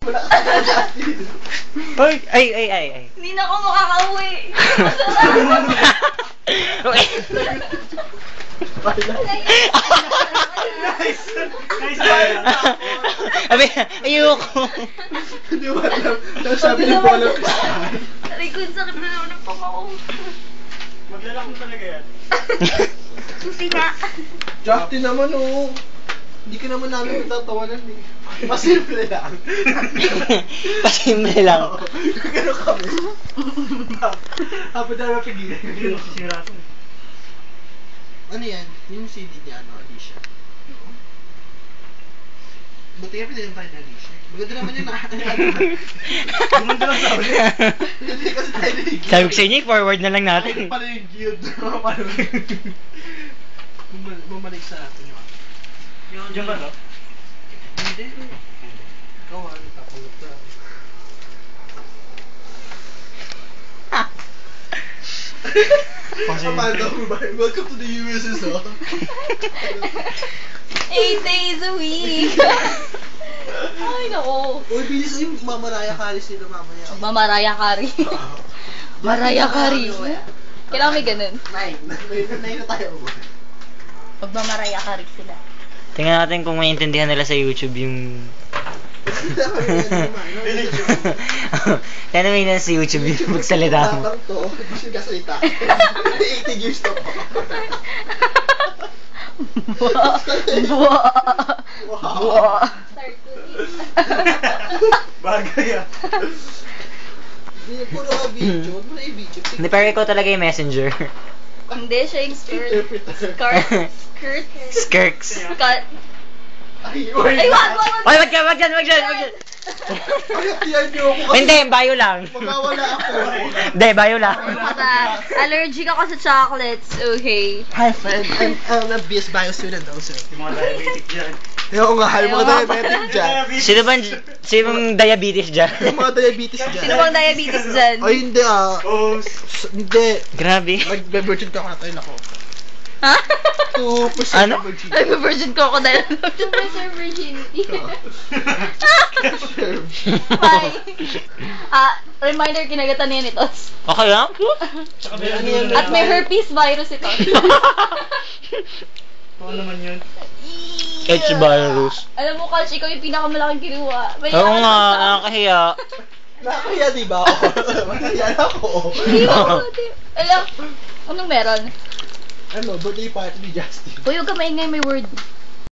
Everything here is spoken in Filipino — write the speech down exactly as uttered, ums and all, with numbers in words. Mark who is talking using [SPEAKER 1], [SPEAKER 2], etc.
[SPEAKER 1] Wala ka na, Justin.
[SPEAKER 2] Hoy, ay, ay, ay, ay.
[SPEAKER 3] Hindi na ako makakauwi.
[SPEAKER 2] Okay.
[SPEAKER 4] Nice! Nice ba?
[SPEAKER 2] Abi, ayoko.
[SPEAKER 1] Hindi mo alam. Sabi niyo po alam ka.
[SPEAKER 3] Aray ko, sakit na naman ang pang ako.
[SPEAKER 4] Maglalak mo talaga yan.
[SPEAKER 3] Susi nga.
[SPEAKER 1] Justin naman, oh. Hindi ka naman namin matatawanan eh. Pasimple lang.
[SPEAKER 2] Pasimple lang.
[SPEAKER 1] Gano'n kami. Habang tayo mapigilan.
[SPEAKER 4] Hindi mo sisira ito.
[SPEAKER 1] Ano yan? Yung C D niya, ano, Alicia? Buti nga pinagin tayo na Alicia. Maganda naman yun, ah.
[SPEAKER 4] Gumanda lang sa ulit.
[SPEAKER 1] Hindi kasi tayo na yung
[SPEAKER 2] Sabi ko sa inyo, forward na lang natin.
[SPEAKER 1] Ay, pala yung guild. Paano? Bumalik- Bumalik sa atin yung ano.
[SPEAKER 4] Diyan ba, no?
[SPEAKER 1] Hindi. Ikaw ah, nagkapulot na. Amanda, welcome to the U S S R.
[SPEAKER 3] Eight days a week. Ay, nako.
[SPEAKER 1] Uy, bilis yung mamaraya kalis nila mamaya.
[SPEAKER 3] Mamaraya Kari. Maraya Kari. Kailangan may ganun.
[SPEAKER 1] Nine. Nine nine na tayo.
[SPEAKER 3] Magmamaraya Kari sila.
[SPEAKER 2] Tingnan natin kung maintindihan nila sa YouTube yung... Tingnan mo yun sa YouTube yung magsalita mo.
[SPEAKER 1] Tatang to, hindi siya kasalita. eighty years to po.
[SPEAKER 3] Buwa. Buwa.
[SPEAKER 4] Bagay ah.
[SPEAKER 1] Hindi, puro ka video. Huwag mo na i-video.
[SPEAKER 2] Hindi, pero ikaw talaga yung messenger.
[SPEAKER 3] Hindi siya yung skirt.
[SPEAKER 1] Interpreter.
[SPEAKER 3] Skirt. Skirt.
[SPEAKER 2] Skirks.
[SPEAKER 3] Skirt.
[SPEAKER 1] Ay, uy.
[SPEAKER 3] Ay, wag, wag, wag.
[SPEAKER 2] Oy, wag yan, wag yan, wag yan, wag yan.
[SPEAKER 1] Pagkatiyan niyo ako kasi
[SPEAKER 2] Hindi, bayo lang.
[SPEAKER 1] magkawala ako.
[SPEAKER 2] Hindi, bayo lang.
[SPEAKER 3] Basta, allergic ako sa chocolates, okay?
[SPEAKER 1] Hi, friend. I'm, I'm a B S Bio student also.
[SPEAKER 4] Yung mga diabetic dyan.
[SPEAKER 1] Oo nga, yung mga
[SPEAKER 3] Ayaw.
[SPEAKER 1] diabetic dyan.
[SPEAKER 2] Sino ba, sino bang diabetes dyan?
[SPEAKER 1] Yung mga diabetes dyan.
[SPEAKER 3] Sino bang diabetes dyan?
[SPEAKER 1] Ay, hindi ah.
[SPEAKER 4] Oh,
[SPEAKER 1] S- Hindi.
[SPEAKER 2] Grabe.
[SPEAKER 1] Mag-virgin ka ako na tayo nako.
[SPEAKER 3] Ha?
[SPEAKER 1] two percent
[SPEAKER 2] Ano?
[SPEAKER 1] virgin.
[SPEAKER 3] Ay, may virgin crocodile.
[SPEAKER 5] To preserve virginity.
[SPEAKER 3] Bye. Ah, reminder, kinagatan niya nito.
[SPEAKER 2] Okay lang?
[SPEAKER 4] tsaka
[SPEAKER 1] Ano
[SPEAKER 4] may
[SPEAKER 1] yan?
[SPEAKER 3] At may herpes virus ito.
[SPEAKER 4] Ano naman yun?
[SPEAKER 2] H virus.
[SPEAKER 3] Alam mo, Kalsh, ikaw yung pinakamalaking kinuha. May
[SPEAKER 2] Oo
[SPEAKER 3] nakakatawa.
[SPEAKER 2] nga, nakakahiya.
[SPEAKER 1] Nakakaya diba ako? Nakakaya ako.
[SPEAKER 3] Hindi mo, di. Alam, anong meron?
[SPEAKER 1] Ano, birthday party ni Justin.
[SPEAKER 3] Uy, huwag ka maingay, may word.